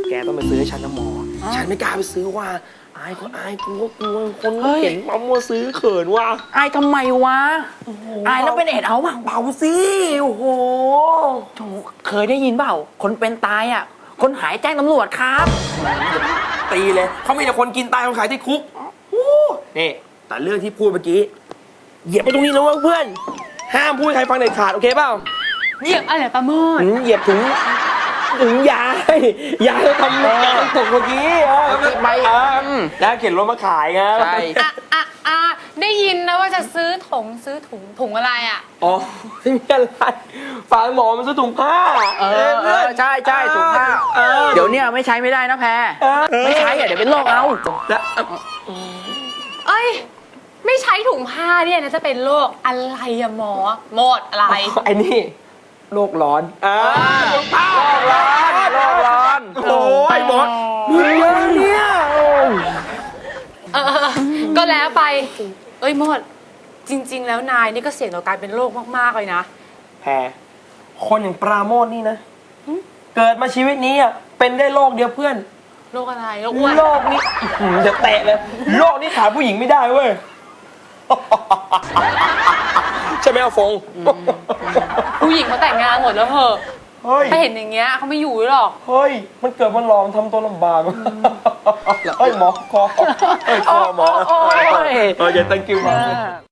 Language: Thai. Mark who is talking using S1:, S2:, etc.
S1: แกต้องไปซื้อให้ฉันนะหมอฉันไม่กล้าไปซื้อว่าอายก็อายกูก็กลัวคนเห็นมามัวซื้อเขินว่า
S2: อายทำไมวะอายแล้วเป็นเอ็ดเอาเบาสิโอ้โหเคยได้ยินเปล่าคนเป็นตายอ่ะคนหายแจ้งตำรวจครับ
S1: ตีเลยเขามีแต่คนกินตายคนขายที่คุกนี่แต่เรื่องที่พูดเมื่อกี้เหยียบไปตรงนี้นะเพื่อนห้ามพูดใครฟังเด็ดขาดโอเคเปล่า
S3: เหยียบอะไรประโมท
S1: เหยียบถึงยายทำตกเมื่อกี้
S2: ใบ
S1: แล้วเข็นรถมาขายไง
S2: ใช่
S3: ได้ยินนะว่าจะซื้อถุงอะไรอ่ะ
S1: อ๋อไม่มีอะไรฝากหมอมันซื้อถุงผ้า
S2: ใช่ถุงผ้าเดี๋ยวเนี่ยไม่ใช้ไม่ได้นะแพรไม่ใช้เดี๋ยวเป็นโรคเอา
S3: เอ้ยไม่ใช้ถุงผ้าเนี่ยนะจะเป็นโรคอะไรอะหมอหมดอะไร
S1: ไอ้นี่โลกร้อน
S2: โลกร้อน
S1: โอ้ยหมดมีเยอะเนี่ย
S3: ก็แล้วไปเอ้ยหมดจริงๆแล้วนายนี่ก็เสี่ยงต่อการเป็นโรคมากๆเลยนะ
S1: แพรคนอย่างปราโมทนี่นะเกิดมาชีวิตนี้อ่ะเป็นได้โรคเดียวเพื่อน
S3: โรคอะไรโรคอ้วน
S1: โรคนี้จะแตะเลยโรคนี้ขาผู้หญิงไม่ได้เว้ยใช่ไหมอาฟง
S3: ผู้หญิงเขาแต่งงานหมดแล้วเหรอถ้าเห็นอย่างเงี้ยเขาไม่อยู่หรอก
S1: เฮ้ยมันเกิดมันหลอมทำตัวลำบากเฮ้ยหมอคอหมออย่า thank you มาก